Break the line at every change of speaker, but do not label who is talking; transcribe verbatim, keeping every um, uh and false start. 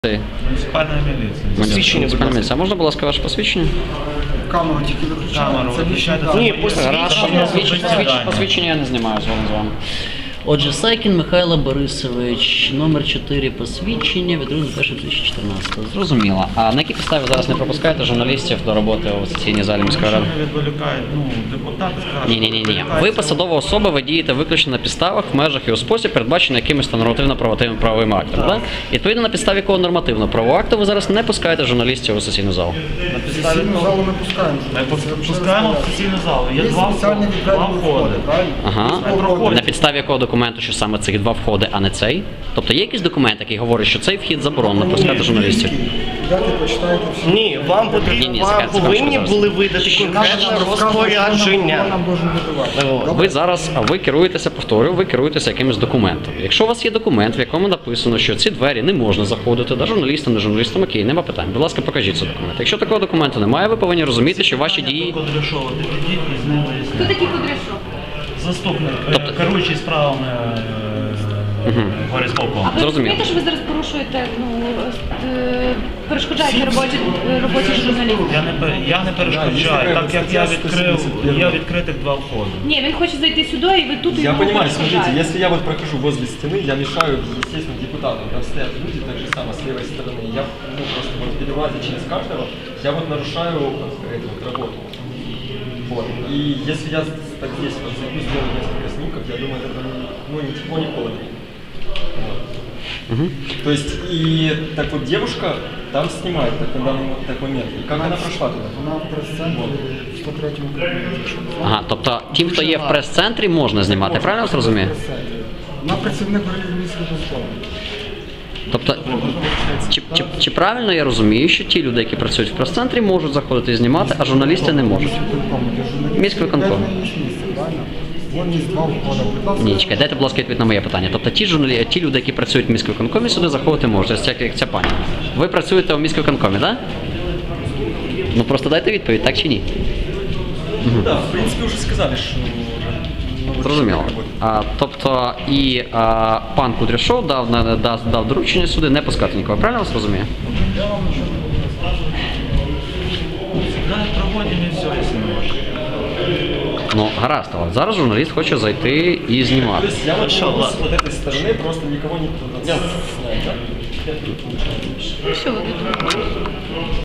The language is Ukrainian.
Муніципальна міліція.
Посвідчення, будь ласка. А можна, будь ласка, ваше посвідчення?
Камеру тільки виключаємо.
Камеру виключайте.
Ні, посвідчення, посвідчення я не знімаю згодом з вами. Отже, Сайкін Михайло Борисович, номер чотири посвідчення від другого першого дві тисячі чотирнадцятого. Зрозуміло. А на якій підставі зараз не пропускаєте журналістів до роботи у сесійній залі міської ради?
Що відволікають, ну, депутати скажуть.
Ні-ні-ні. Ви посадова особа, ви дієте виключно на підставах, в межах і у спосіб, передбачений якимось нормативно-правовими правовим актом. Так? І відповідно на підставі якого нормативно-правового акту ви зараз не пускаєте журналістів у сесійну залу?
На підставі
Сесійну
того-
залу ми пускаємо.
Ми пускаємо в сесійну залу. Є
Є
два
спеціальні
входи. Два
відкриті
входи.
входи, правильно?
Ага.
проходять.
На підставі якого документу, що саме цих два входи, а не цей? Тобто є якийсь документ, який говорить, що цей вхід заборонено пускати журналістів?
Дайте почитайте всі.
Ні, вам
Ні,
потрібно,
ні,
вам
секунду,
повинні
секундочку,
були видати конкретне розпорядження.
Нам должен видавати.
Ви зараз, ви керуєтеся, повторюю, ви керуєтеся якимось документом. Якщо у вас є документ, в якому написано, що ці двері не можна заходити, да, журналістам, не журналістам, окей, нема питань. Будь ласка, покажіть цей документ. Якщо такого документу немає, ви повинні розуміти, що ваші дії...
Кудряшова, ти підіть і з ним
Хто
виясняйте.
такий Кудряшов?
Заступник, е, керуючий справами горисполкому.
А ви
Зрозуміло.
розумієте, що ви зараз порушуєте, ну, е, перешкоджаєте роботі, роботі журналістів?
Я не, пер- я не перешкоджаю, так як я відкрив, я відкритих два входи.
Ні, він хоче зайти сюди, і ви тут
Я
йому
понимаю, смотрите,
перешкоджаєте.
если я вот прохожу возле стены, я мешаю, естественно, депутатам. Там стоят люди, так же самое, с левой стороны. Я ну, просто вот перелазя через каждого, я вот нарушаю эту вот работу. Вот. И если я так здесь вот зайду, сделаю несколько снимков, я думаю, это ну, ни тепло, ни холодно. Вот.
Угу.
То есть, и так вот девушка там снимает так, на данный так момент. И как она прошла туда?
Вона в прес-центрі в сто третьому кабінеті.
Ага, тобто тим, хто є в прес-центрі, можна знімати, правильно я вас розумію?
Вона працівник міського школи.
Тобто, чи, чи, чи правильно я розумію, що ті люди, які працюють в прес-центрі, можуть заходити і знімати, а журналісти не можуть? Міськвиконком.
Вон є два входи. Будь ласка.
Ні, чекай, дайте, будь ласка, відповідь на моє питання. Тобто ті, журналі... ті люди, які працюють в міськвиконкомі, сюди заходити можуть, ось як, як ця пані. Ви працюєте в міськвиконкомі, так? Да? Ну просто дайте відповідь, так чи ні?
Да, в принципе, уже сказали, что...
Зрозуміло. А, тобто і а, пан Кудряшов дав, на- дав, дав доручення сюди не пускати нікого, правильно я вас розумію?
Да, проводимо і все, якщо не можна.
Ну, гаразд, але зараз журналіст хоче зайти і
То
знімати.
есть я вот шел с вот этой стороны, просто никого не снять, да?
Що ви тут робите?